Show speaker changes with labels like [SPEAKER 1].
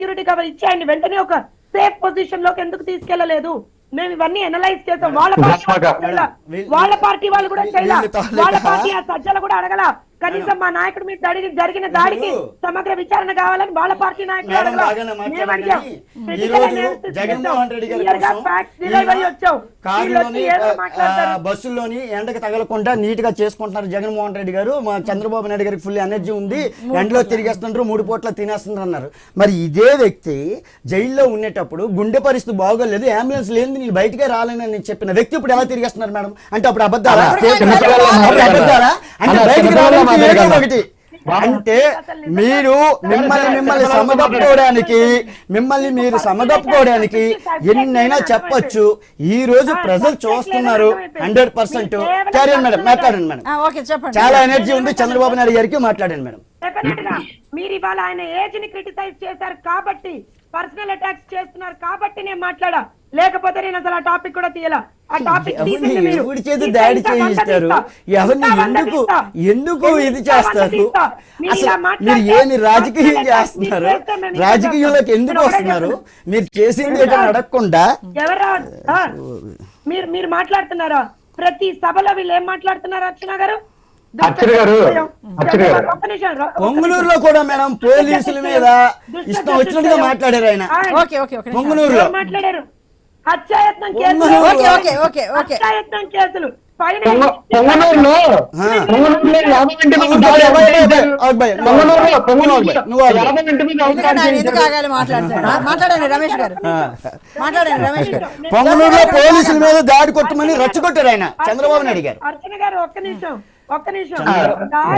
[SPEAKER 1] Security cover ఇచ్చేయండి, వెంటనే ఒక సేఫ్ పొజిషన్ లోకి ఎందుకు తీసుకెళ్లలేదు? మేము ఇవన్నీ అనలైజ్ చేస్తాం. వాళ్ళ పార్టీ వాళ్ళు కూడా చేయాలి, వాళ్ళ పార్టీ ఆ సజ్జలు కూడా అడగల. కనీసం మా నాయకుడు మీద జరిగిన దాడికి సమగ్ర విచారణ కావాలని వాళ్ళ పార్టీ నాయకులు
[SPEAKER 2] బస్సుల్లోని ఎండకు తగలకుండా నీట్ గా చేసుకుంటున్నారు జగన్మోహన్ రెడ్డి గారు. మా చంద్రబాబు నాయుడు గారికి ఫుల్ ఎనర్జీ ఉంది, ఎండలో తిరిగేస్తున్నారు, 3 పూట్ల తినేస్తున్నారు అన్నారు. మరి ఇదే వ్యక్తి జైల్లో ఉండేటప్పుడు గుండె పరిస్థితి బాగోలేదు, అంబులెన్స్ లేదు, నేను బయటకే రాలేనని చెప్పిన వ్యక్తి ఇప్పుడు ఎలా తిరిగేస్తున్నారు మేడం? అంటే అప్పుడు అబద్ధాలా? అంటే బయటికి రావాలి ఒకటి అంటే మీరు మిమ్మల్ని సమగప్పుకోవడానికి ఎన్నైనా చెప్పొచ్చు. ఈ రోజు ప్రజలు చూస్తున్నారు 100%. క్యారియర్ మేడం, మాట్లాడండి మేడం. చాలా ఎనర్జీ ఉంది చంద్రబాబు నాయుడు గారికి, మాట్లాడండి మేడం.
[SPEAKER 1] మీరు ఇవాళ ఆయన ఏజ్ ని క్రిటిసైజ్ చేశారు కాబట్టి, పర్సనల్ అటాక్స్ చేస్తున్నారు కాబట్టి నేను మాట్లాడా, లేకపోతే నేను అసలు ఆ టాపిక్ కూడా తీయాల. ఆ టాపిక్
[SPEAKER 2] ఎవరి చేతి దాడి చేయిస్తారు, ఎవరిని ఎందుకు ఇది చేస్తారు? అసలు మీరు ఏమి రాజకీయం చేస్తున్నారు? రాజకీయంలోకి ఎందుకు వస్తున్నారు? మీరు చేసింది ఏదో అడగకుండా
[SPEAKER 1] మీరు మాట్లాడుతున్నారా? ప్రతి సభలో వీళ్ళు ఏం మాట్లాడుతున్నారు? అర్చన గారు,
[SPEAKER 2] పొంగునూరులో కూడా మేడం పోలీసుల మీద ఇష్టం వచ్చినట్టుగా మాట్లాడారు ఆయన. పొంగునూరులో
[SPEAKER 1] మాట్లాడారు. హత్యాయత్నం కేసులు
[SPEAKER 2] పొంగునూరులో పోలీసుల మీద దాడి కొట్టమని రెచ్చగొట్టారు ఆయన చంద్రబాబు నాయుడు గారు.
[SPEAKER 1] అర్చన గారు ఒక్క నిమిషం